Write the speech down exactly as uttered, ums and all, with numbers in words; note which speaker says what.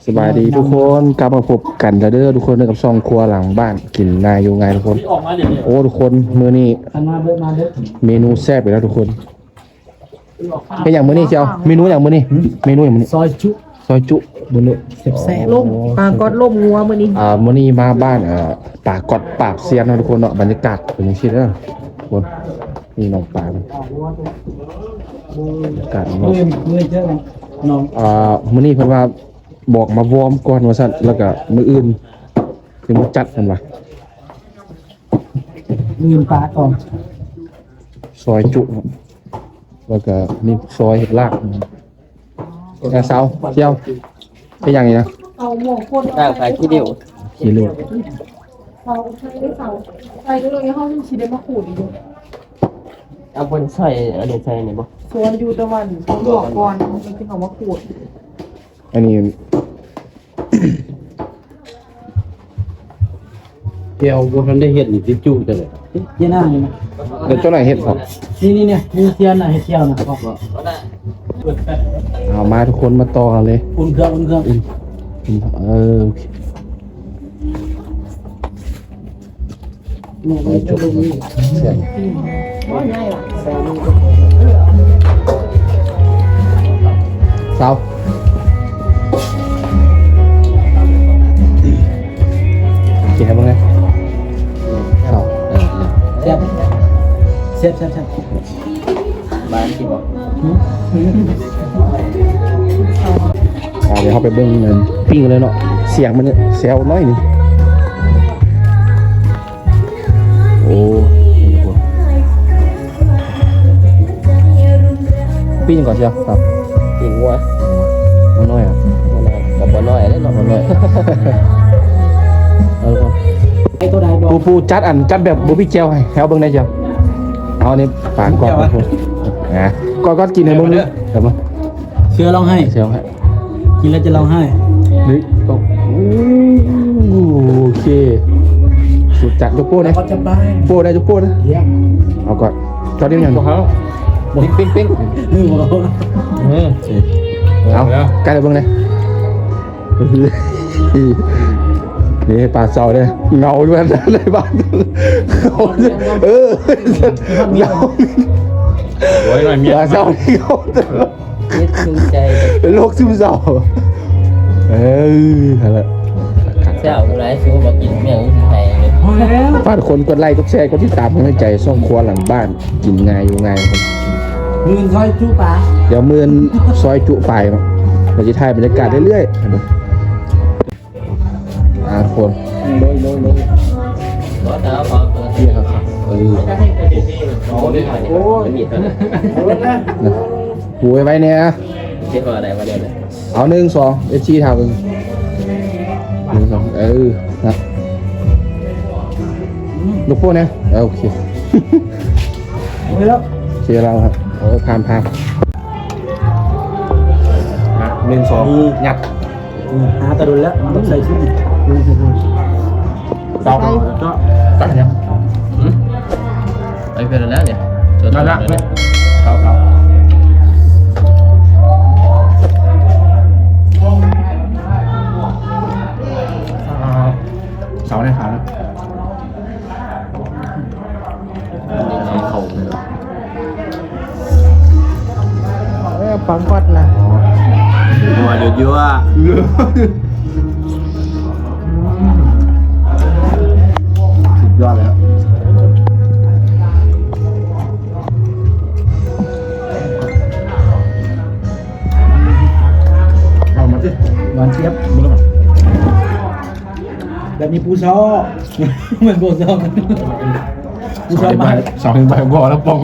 Speaker 1: สบายดีทุกคนกลับมาพบกันแล้วเด้อทุกคนเด้อกับซองครัวหลังบ้านกินนายอยู่ไงทุกคนโอ้ทุกคนมื้อนี้เมนูแซ่บไปแล้วทุกคนเป็นอย่างมื้อนี้เจ้าเมนูอย่างมื้อนี้เมนูอย่างมื้อนี้
Speaker 2: ซอยจุ
Speaker 1: ซอยจุมื้อนี้
Speaker 2: แซ่บ
Speaker 3: ล่มปลากอดล่มงัวมื้อนี้
Speaker 1: อ่ามื้อนี้มาบ้านเอ่อป่ากอดปากเซียนเนาะทุกคนเนาะบรรยากาศเป็นจังซี่เด้อทุกคนนี่น้องปลาบรรยากาศ
Speaker 2: ๆ
Speaker 1: เนาะ
Speaker 2: เมื่อเมื่อเจอกันน้อง
Speaker 1: อ่ามื้อนี้เพิ่นว่าบอกมาวอร์มก่อนว่าซั่นแล้วก็มื้ออื่นสิมาจัดกันว่า
Speaker 2: ลืมปลาก่อน
Speaker 1: ซอยจุครับแล้วก็มีซอยเห็ดลากแกเซาเที่ยวเป็นอย่างนี้นะ
Speaker 3: เอาหมวกคน
Speaker 4: ได้ใส่ขี้เดียว
Speaker 1: ขี้ลูก
Speaker 3: เขาใช้ได้เสาใส่ก็เลยเฮาสิได้มาขูดอีก
Speaker 4: เอาบนใส่อันนี้ใส่นี่บ่
Speaker 3: ส่วนอยู่ตะวันเขาบอกก่อนมันสิเอามาขูด
Speaker 1: อันนี้
Speaker 5: เที่ยวบ่ทันได้เฮ็ดนี่สิจุจังได๋
Speaker 2: เยี่ยหน้านี่นะ
Speaker 1: เดี๋ยวเจ้าหน่อยเห็ดครับ
Speaker 2: นี่นี่เนี่ยมีเทียนน่ะเฮ็ดเที่ยวน่ะบอก
Speaker 1: เอามาทุกคนมาต่อกันเลย
Speaker 2: อุ่นเครื่องอุ่นเครื่อง
Speaker 1: เออโอเค
Speaker 2: นี่มันจะลงนี่
Speaker 1: เสียง
Speaker 3: ว่าง่ายว่ะ
Speaker 1: เซากินให้บ้างไงเซา
Speaker 2: แซ่บแซ่บแซ่บแซ่บ
Speaker 4: บ้านที่บ่
Speaker 1: อ่าเดี๋ยวเขาไปเบิ้งเงินปิ้งเลยเนาะเสียงมันเนี่ยแซวน้อยหนึงโอ้นี่ทุกคนปิ้งก่อนเชียวครับ
Speaker 4: กินวัว
Speaker 1: น้อยๆอ่ะ
Speaker 4: บ่น้อยกับบ่น้อยเด้เนาะ
Speaker 1: น้อยๆเออครับ
Speaker 2: ไอ้ตัวใดบอก
Speaker 1: ปูปูจัดอันจัดแบบบูบี้เจลให้แถวเบิ้งได้เจ้าเอานี่ปานก่อนครับผมนะก่อนก็กินให้เบิ้งนึงเดี๋ยวมา
Speaker 2: เชื่อร้องไห้
Speaker 1: เซลให้
Speaker 2: กินแล้วจะร้องไห้
Speaker 1: นี่ต้องโอเคสุดจัดยกโป้นะ
Speaker 2: ก็จะไป
Speaker 1: โป้ได้ยกโป้นะ
Speaker 2: เยี่ยม
Speaker 1: เอาก่อนจอดเดียวอย่างเขาปิ้งปิ้งปิ้ง
Speaker 2: นี่บ่
Speaker 1: เอาใกล้เลยเบิ้งเลยนี่ปลาเสาเนี่ยเงาด้วยนะในบ้านเออเงา
Speaker 5: โอ้ยหน่อยเมีย
Speaker 1: ปลาเสาที่เขา
Speaker 4: คิดถึงใจ
Speaker 1: เป็นโรคซึมเศร้าเอออะไร
Speaker 4: เจ้าหลายสู้บ่กินเมี่ยงสิไทยเลย
Speaker 2: พอแล้ว
Speaker 1: ฝากคนกดไลค์กดแชร์กดติดตามให้ใจส่องครัวหลังบ้านกินง่ายอยู่ง่ายครับ
Speaker 2: มือซอยจุปลา
Speaker 1: เดี๋ยวมือนซอยจุไปเนาะเราจะถ่ายบรรยากาศเรื่อยๆนะอ่าทุกคน
Speaker 2: โดยโดยโดย
Speaker 4: บ่ตาพอตัว
Speaker 1: เที่ยครับครับเออ
Speaker 4: โอ้ยโอ้ยมีดตัวนี้
Speaker 1: นะหูไว้ไว้เนี่ยนะ
Speaker 4: คิดว่าอะไรวะเดี๋ยวนี้
Speaker 1: เอาหนึ่งสองเอชีทำหนึ่งหนึ่งสองเออนะลูกโป้เนี่ยเออโอเค
Speaker 2: โอ้ยแล้ว
Speaker 1: เชียร์เราครับโอ้พามพามหนึ่งสองยัด
Speaker 2: หาตะดุลแล้วมันต้องใส่ชุดนี่
Speaker 1: สองก็ตัดยัง
Speaker 4: ไปเป็นแล้วเนี่ยจน
Speaker 1: นั่นละ
Speaker 4: เลย
Speaker 1: ครับครับเสาได้ขาวแล้ว
Speaker 4: เขา
Speaker 3: เออปังกอดนะ
Speaker 5: นัวเยอะๆอ่ะ
Speaker 1: สุดยอดเลยครับเอามาสิ
Speaker 2: หวานเจี๊ยบ
Speaker 1: มึงแล้วมั้ง
Speaker 2: แบบนี้ปูซอเหมือนปูซอปูซอ
Speaker 1: สอง
Speaker 2: มา
Speaker 1: ใบสองใบบ่อแล้วปอง